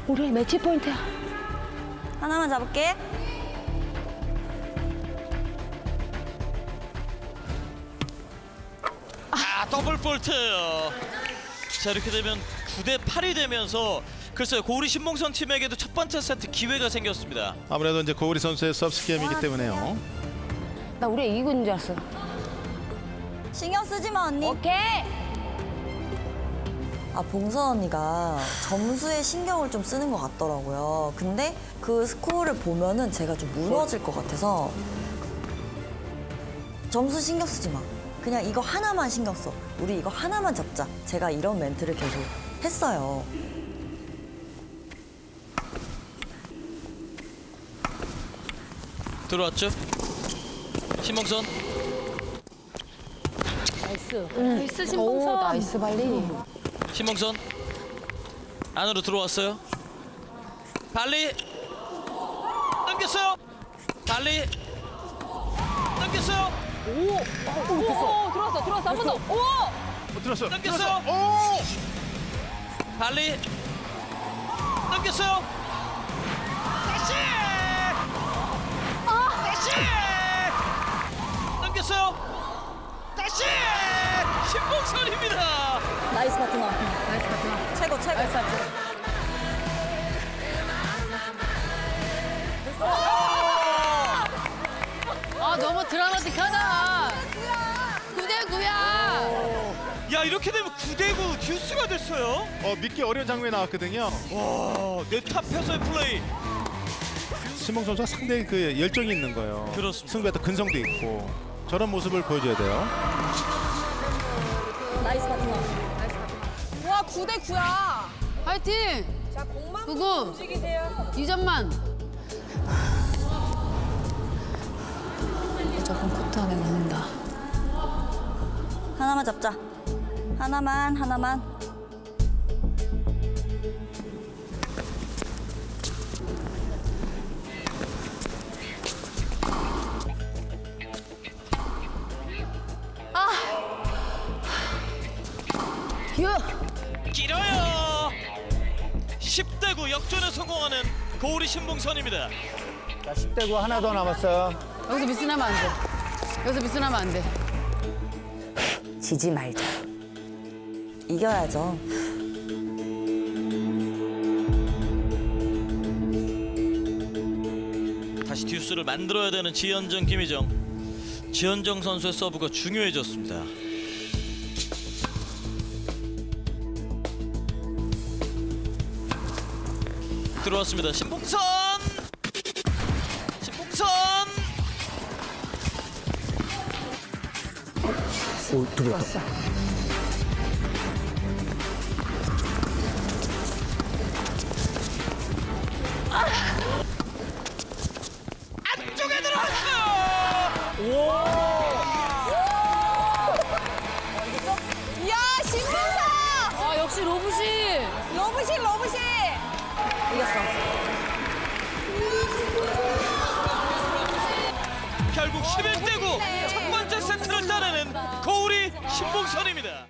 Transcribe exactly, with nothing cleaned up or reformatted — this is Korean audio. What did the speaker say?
우리 매치 포인트야. 하나만 잡을게. 아, 더블 폴트. 자, 이렇게 되면 구 대 팔이 되면서 글쎄요, 고우리 신봉선 팀에게도 첫 번째 세트 기회가 생겼습니다. 아무래도 이제 고우리 선수의 서비스 게임이기 때문에요. 나 우리 이기고 있는 줄 알았어. 신경 쓰지 마, 언니. 오케이. 아, 봉선 언니가 점수에 신경을 좀 쓰는 것 같더라고요. 근데 그 스코어를 보면은 제가 좀 무너질 것 같아서 점수 신경 쓰지 마. 그냥 이거 하나만 신경 써. 우리 이거 하나만 잡자. 제가 이런 멘트를 계속 했어요. 들어왔죠? 신봉선. 나이스. 나이스 신봉선. 오, 나이스 발리. 신봉선 안으로 들어왔어요. 발리 넘겼어요. 발리 넘겼어요. 오, 오, 들어왔어, 들어왔어. 한 번 더. 오! 어, 들었어요. 넘겼어요. 오! 발리 넘겼어요. 다시 다시 넘겼어요. 다시 신봉선입니다. 나이스 파트너. 나이스 파트너. 최고, 최고. 나이스 파트너. 아 너무 드라마틱하다. 구 대 구야. 야, 이렇게 되면 구 대 구 듀스가 됐어요. 어, 믿기 어려운 장면이 나왔거든요. 와, 네탑에서의 플레이. 신봉 선수가 상당히 그 열정이 있는 거예요. 그렇습니다. 승부에 또 근성도 있고 저런 모습을 보여줘야 돼요. 나이스 파트너. 와, 구 대 구야. 파이팅. 자, 공만 구구. 움직이세요. 이 점만. 무조건 코트 안에 넣는다. 하나만 잡자. 하나만, 하나만. 길어요. 십 대 구 역전에 성공하는 고우리 신봉선입니다. 자, 십 대 구 하나 더 남았어요. 여기서 미스나면 안 돼. 여기서 미스나면 안 돼. 지지 말자. 이겨야죠. 다시 듀스를 만들어야 되는 지현정, 김희정. 지현정 선수의 서브가 중요해졌습니다. 들어왔습니다. 신봉선! 신봉선! 오, 들어왔다. 안쪽에 들어왔어요! 야, 신봉선! 아 역시 로브시. 러브신, 러브신! 이겼어. 결국 십일 대 구 첫 번째 세트를 따내는 고우리 신봉선입니다.